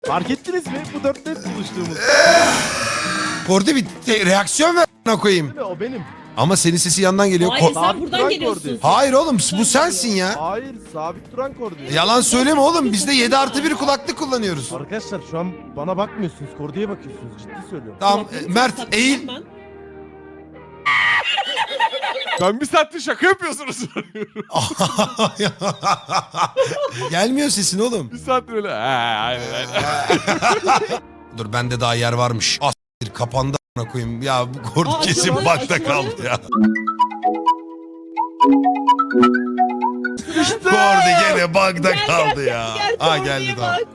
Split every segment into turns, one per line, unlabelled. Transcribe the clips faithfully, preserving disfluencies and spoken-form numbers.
Fark ettiniz mi? Bu dörtte hep buluştuğumuz.
Kordi bir te- reaksiyon ver a**ına koyayım.
Değil mi? O benim.
Ama senin sesi yandan geliyor.
Hayır
Ko-
sen
Sabit
buradan
duran
geliyorsun.
koordinat.
Hayır oğlum bu sensin ya.
Hayır, sabit duran koordinat.
Yalan söyleme oğlum. Biz de yedi artı bir kulaklık kullanıyoruz.
Arkadaşlar şu an bana bakmıyorsunuz. Kordi'ye bakıyorsunuz. Ciddi söylüyorum.
Tamam
Kulaklığı
e, Mert
takacağım
eğil.
ben.
Ben bir saattir şaka yapıyorsunuz.
Gelmiyor sesin oğlum.
bir saattir öyle. Ha, aynen aynen.
Dur bende daha yer varmış. As kapandı a**ına koyayım. Ya bu Kordi
Aa,
kesin
açıldı,
bakta
açıldı.
kaldı ya. Kordi gene bakta
Gel,
kaldı
gel,
ya.
Gel,
Ha
Kordi'ye
geldi tamam.
bak.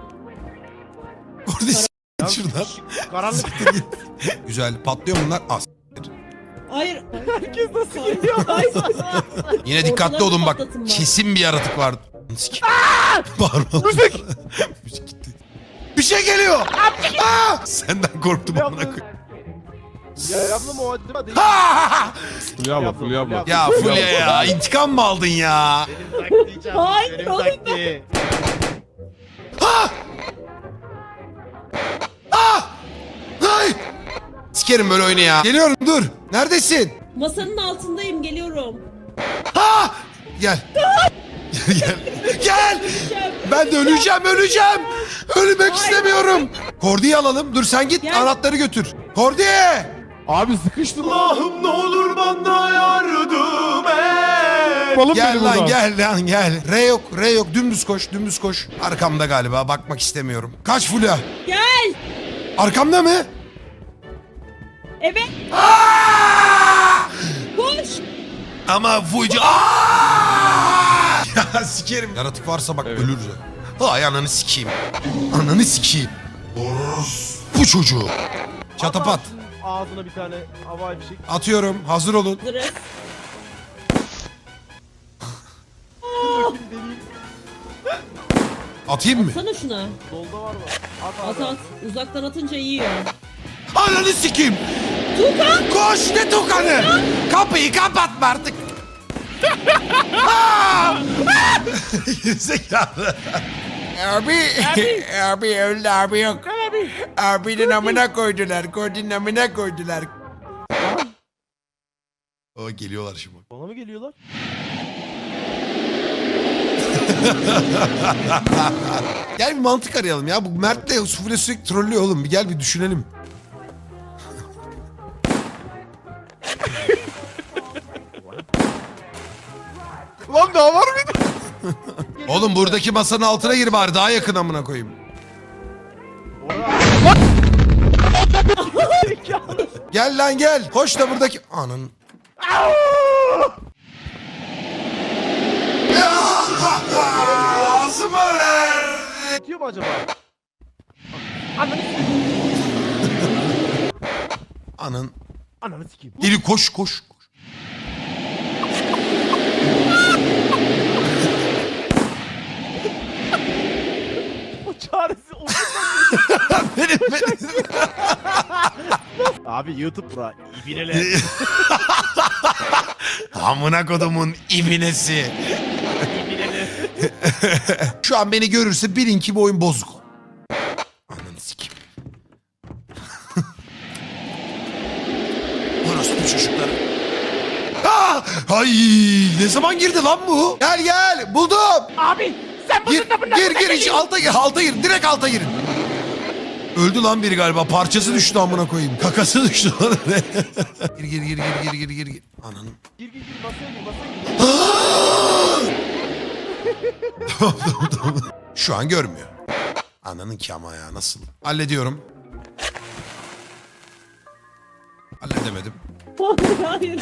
Kordi s*** şuradan.
Karanlık.
Güzel patlıyor bunlar. As.
Hayır.
Herkes nasıl
Hayır.
geliyor?
Hayır.
Yine dikkatli
Ortadan
olun bak.
patlatın bak.
Kesin bir yaratık var. Sik. Bağırma. Müzik. Müzik gitti. Bir şey geliyor. Aa! Senden korktum amına koyayım.
Ya yapma o acaba değil.
Ha!
Fulya abla, Fulya abla.
Ya Fulya ya intikam mı aldın ya?
Benim taktiği
Hayır,
benim
oğlum.
taktiği.
Ha! Ha! Ay! Sikerim böyle oyunu ya. Geliyorum dur. Neredesin?
Masanın altındayım geliyorum.
Ha! Gel. Gel gel. Gel. Ben de öleceğim öleceğim. Ölmek istemiyorum. Kordi'yi alalım. Dur sen git
Gel.
anahtarı götür. Kordi!
Abi sıkıştım.
Allah'ım ne olur bana yardım et.
Balım
Gel
beni
lan
buradan.
gel lan gel. R yok R yok dümdüz koş dümdüz koş. Arkamda galiba bakmak istemiyorum. Kaç Fulya?
Gel.
Arkamda mı?
Evet. Koş.
Ama Fulya... Aa! Ya sikerim. Yaratık varsa bak
Evet.
ölürüz. Hay ananı sikeyim. Ananı sikeyim. Bu çocuğu. Çatapat.
Atarsın Ağzına bir tane havai fişek.
Atıyorum. Hazır olun.
Hazırız.
Bakayım deneyeyim.
Atayım mı?
Sana şuna.
Solda var mı? At
At
at.
at. Uzaktan atınca yiyor.
Ananı sikeyim.
Tukan.
Koş ne tukanı. Kapıyı kapatma artık. Aa! Gerizekalı. Abi, abi öldü abi yok. Abi. Abinin amına koydular, Kordi'nin amına koydular. O geliyorlar şimdi.
Bana mı geliyorlar?
Gel bir mantık arayalım ya. Bu Mert'le Sufle sürekli trollüyor oğlum. Bir gel bir düşünelim.
Lan daha var mıydı?
Oğlum buradaki masanın altına gir bari. Daha yakın amına koyayım. Gel lan gel. Koş da buradaki... Anın. Ağzıma ver.
Yetiyor mu acaba?
Anın.
Ananı sikeyim.
Deli koş koş. koş.
O çaresi o.
Benim, benim.
Abi YouTube bura. İbineler.
Amına kodumun ibinesi. Şu an beni görürse bilin ki bu oyun bozuk. Ananı sikeyim. Orospu çocukları. Ah! Ay, ne zaman girdi lan bu? Gel gel buldum.
Abi sen
Gir gir gir iç, alta gir alta gir direkt alta girin. Öldü lan biri galiba parçası düştü amına koyayım. Kakası düştü lan. Gir gir gir gir gir gir gir. Ananı.
Gir gir gir masaya gir masaya gir.
Tamam, tamam, tamam. Şu an görmüyor. Ananın ki ama ya nasıl? Hallediyorum. Halledemedim.
Hayır.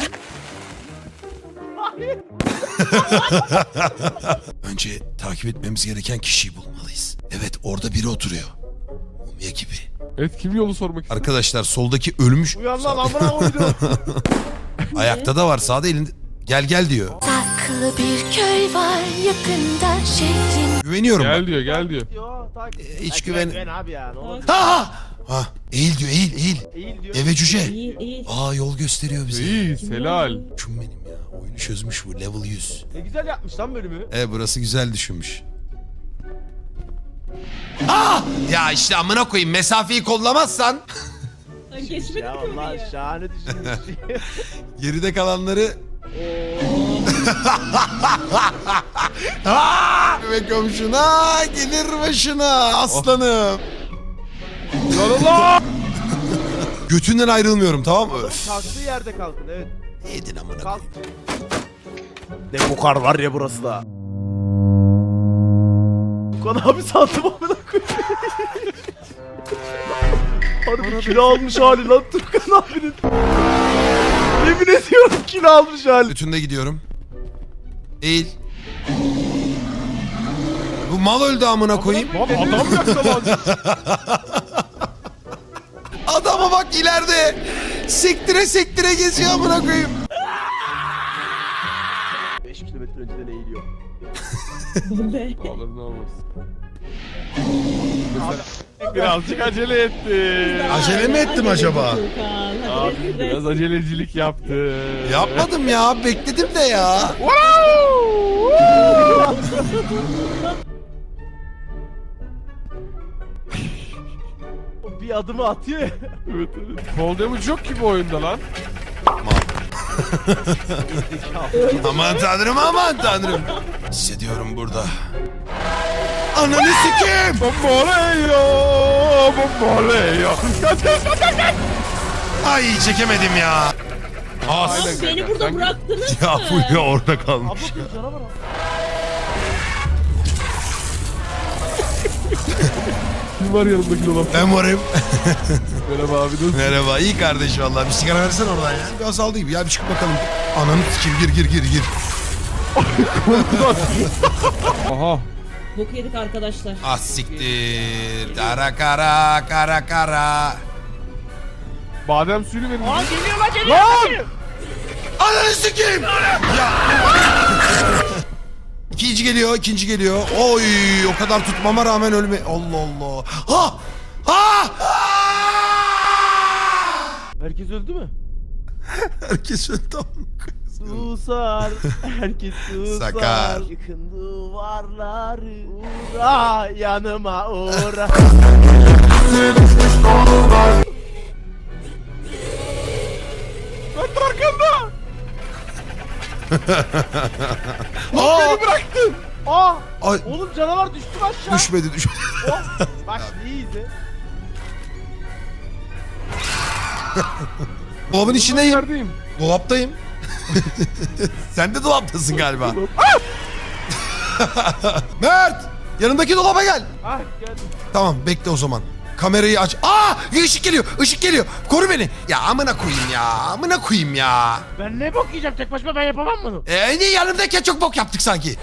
Önce takip etmemiz gereken kişiyi bulmalıyız. Evet orada biri oturuyor. Mumya gibi.
Evet kim yolu sormak istiyor?
Arkadaşlar soldaki ölmüş.
Uyan lan amına koydum.
Ayakta da var sağda elinde. Gel gel diyor.
Saklı bir köy var yakında şehrin.
Güveniyorum
Gel
bak.
diyor gel diyor.
Yo, tak.
Ee, hiç
Ha,
güven-
güven abi ya ne olur.
Ha ha. Ha eğil diyor eğil eğil.
Eğil diyor.
Eve cüce.
İyi iyi.
Aa yol gösteriyor bize.
İyi helal.
Şun benim ya. Oyunu çözmüş bu level yüz.
Ne güzel yapmış lan bölümü.
E burası güzel düşünmüş. Ah! Ya işte amına koyayım mesafeyi kollamazsan
Ben geçmedim
Ya
ki
Allah
oraya.
şahane düşünmüş.
geride kalanları Aa! Ve komşuna gelir başına aslanım.
Allah!
Götünden ayrılmıyorum tamam mı? Öf.
Kalktığı yerde kalkın evet.
Yedin amına
Kalk.
koyayım.
Ne bukar var ya burası da. Bukan abi sandım amına koyayım. Harbi kilo almış hali lan Turkan abinin. Yemin ediyorum kilo almış hali.
Götünde gidiyorum. Eğil. Bu mal öldü amına koyayım.
Lan adam yakaladı.
Adama bak ileride. Sektire sektire geziyor amına koyayım.
beş kilometre önceden eğiliyor.
Ne?
Olur ne olmaz. Birazcık acele etti.
Acele mi ettim acaba?
Tuğkan, hadi
Abi
bekle.
biraz acelecilik yaptı.
Yapmadım ya bekledim de ya.
O bir adımı atıyor ya.
Evet evet. Fall damage yok ki bu oyunda lan.
Aman tanrım aman tanrım. Hissediyorum burada. Ananı sikeyim.
Bomboleyo, bomboleyo. Kaç kaç kaç kaç kaç.
Ay çekemedim ya. As.
Aynen.
Beni
kanka,
burada
sen-
bıraktınız
Ya
mı?
Fulya orada kalmış.
Abla bir canavar abi.
Kim var yanımdaki dolap?
Ben varım.
Merhaba abi nasılsın?
Merhaba iyi kardeş vallahi. Bir sigara versene oradan ya. Bir azaldı gibi ya bir çık bakalım. Ananı sikeyim gir gir gir gir.
Aha.
Bok yedik arkadaşlar.
Ah siktir. Kara kara kara kara.
Badem suyunu verin.
Aa geliyor lan geliyor lan geliyor.
Ananı sikeyim. Ya. İkinci geliyor, ikinci geliyor. Oy, o kadar tutmama rağmen ölme. Allah Allah. Ha! Ha!
Herkes öldü mü?
Herkes öldü.
Susar, herkes susar.
Sakar.
Yıkın duvarları, uğra yanıma uğra.
Lan arkanda.
Aa!
Beni bıraktın.
Aa!
Ay,
Oğlum canavar düştü mü aşağı?
düşmedi düşmedi.
Oh, bak şimdi iyi izle.
Dolabın içindeyim.
Neredeyim?
Dolaptayım. Sen de dolaptasın galiba. Mert! Yanındaki dolaba gel.
Ah geldim.
Tamam bekle o zaman. Kamerayı aç. Aa! Işık geliyor. Işık geliyor. Koru beni. Ya amına koyayım ya. Amına koyayım ya.
Ben ne bok yiyeceğim tek başıma ben yapamam bunu.
Ee, niye yanımdayken çok bok yaptık sanki.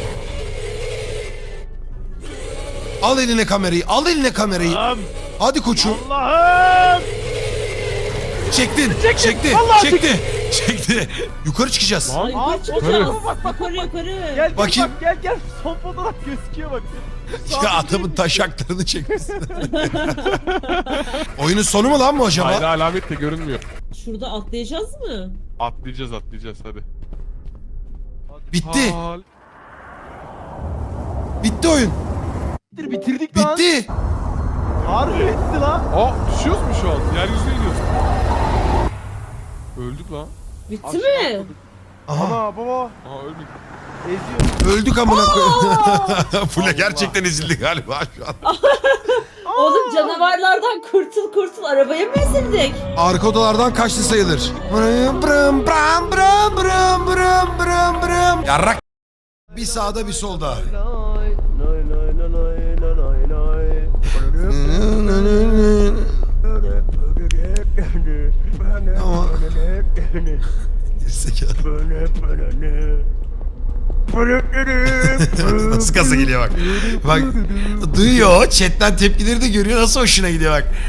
Al eline kamerayı. Al eline kamerayı.
Allah'ım.
Hadi koçum.
Allah'ım.
Çektin. Çekti.
Vallahi
Çekti. Çekti. Yukarı çıkacağız.
Ay,
Aa,
yukarı çıkacağız.
yukarı.
Yukarı yukarı.
Gel gel
Bakayım.
bak gel gel. Son fotoğraf gözüküyor bak.
Ya adamın taşaklarını çekmişsin. Oyunun sonu mu lan bu acaba?
Hayır alamet de görünmüyor.
Şurada atlayacağız mı?
Atlayacağız atlayacağız hadi.
Bitti.
Hal.
Bitti oyun.
Bitir, bitirdik lan.
Bitti.
Harbi bitti lan.
Aa düşüyoruz mu şu an? Yeryüzüne gidiyoruz. Öldük lan.
Bitti mi?
Aha.
Ana baba
Aa ölmedik.
eziyor.
Öldük amına koyayım. Fule gerçekten ezildi galiba şu an.
Oğlum canavarlardan kurtul kurtul arabaya mı ezildik?
Arka odalardan kaçtı sayılır. Brım brım bram brım brım brım brım brım. Yarrak. Bir sağda bir solda.
Lay lay lay lay lay lay lay.
Ama gerizekalı. Nasıl kasa geliyor bak. Bak duyuyor. Chatten tepkileri de görüyor. Nasıl hoşuna gidiyor bak.